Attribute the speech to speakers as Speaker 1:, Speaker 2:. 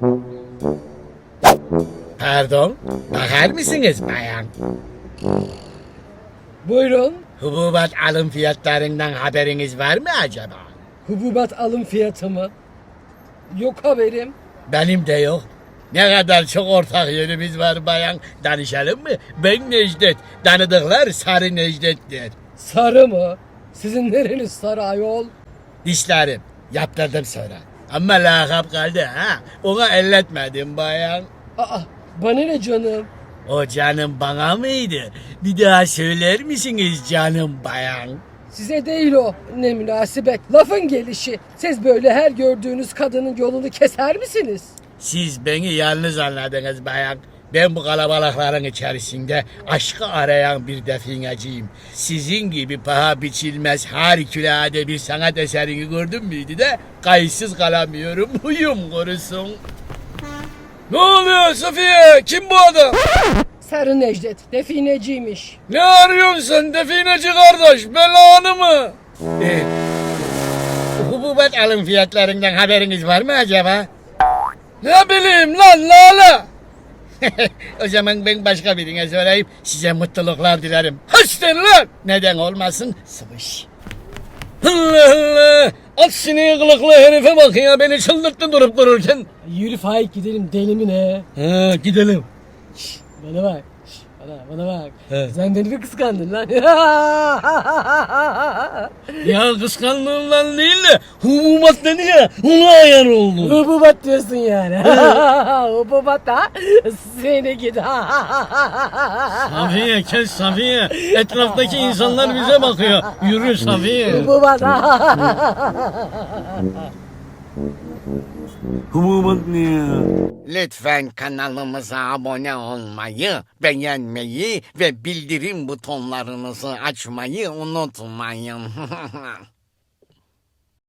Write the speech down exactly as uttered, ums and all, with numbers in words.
Speaker 1: Pardon, bakar mısınız bayan?
Speaker 2: Buyurun.
Speaker 1: Hububat alım fiyatlarından haberiniz var mı acaba?
Speaker 2: Hububat alım fiyatı mı? Yok haberim.
Speaker 1: Benim de yok. Ne kadar çok ortak yönümüz var bayan. Danışalım mı? Ben Necdet. Tanıdıklar Sarı Necdet'tir.
Speaker 2: Sarı mı? Sizin nereniz sarı ayol?
Speaker 1: Dişlerim. Yaptırdım sonra. Ama lakap kaldı ha. Ona elletmedim bayan.
Speaker 2: Aa, bana ne canım?
Speaker 1: O canım bana mıydı? Bir daha söyler misiniz canım bayan?
Speaker 2: Size değil o. Ne münasebet. Lafın gelişi. Siz böyle her gördüğünüz kadının yolunu keser misiniz?
Speaker 1: Siz beni yalnız anladınız bayan. Ben bu kalabalıkların içerisinde aşkı arayan bir defineciyim. Sizin gibi paha biçilmez harikulade bir sanat eserini gördüm müydü de kayıtsız kalamıyorum. Huyum korusun. Ne oluyor Safiye? Kim bu adam?
Speaker 2: Sarı Necdet. Defineciymiş.
Speaker 1: Ne arıyorsun sen defineci kardeş? Belanı mı? Ee, hububat alım fiyatlarından haberiniz var mı acaba? Ne bileyim lan lala. O zaman ben başka birine sorayım. Size mutluluklar dilerim. Hoşçakalın lan. Neden olmasın? Sıvış. Allah Allah. At sineği kılıklı herife bak ya. Beni çıldırttın durup dururken.
Speaker 2: Yürü Faik gidelim deli mi ne?
Speaker 1: Ha, gidelim.
Speaker 2: Şş, bana bak. Şş, bana, bana bak.
Speaker 1: He.
Speaker 2: Sen beni mi kıskandın lan?
Speaker 1: Ya kıskandığımdan değil de hububat dedi ya. Ona ayar oldum.
Speaker 2: Hububat diyorsun yani. Hububat da seni git.
Speaker 1: Safiye kes Safiye. Etraftaki insanlar bize bakıyor. Yürü Safiye.
Speaker 2: Hububat.
Speaker 1: Hububat ne ya?
Speaker 3: Lütfen kanalımıza abone olmayı, beğenmeyi ve bildirim butonlarınızı açmayı unutmayın.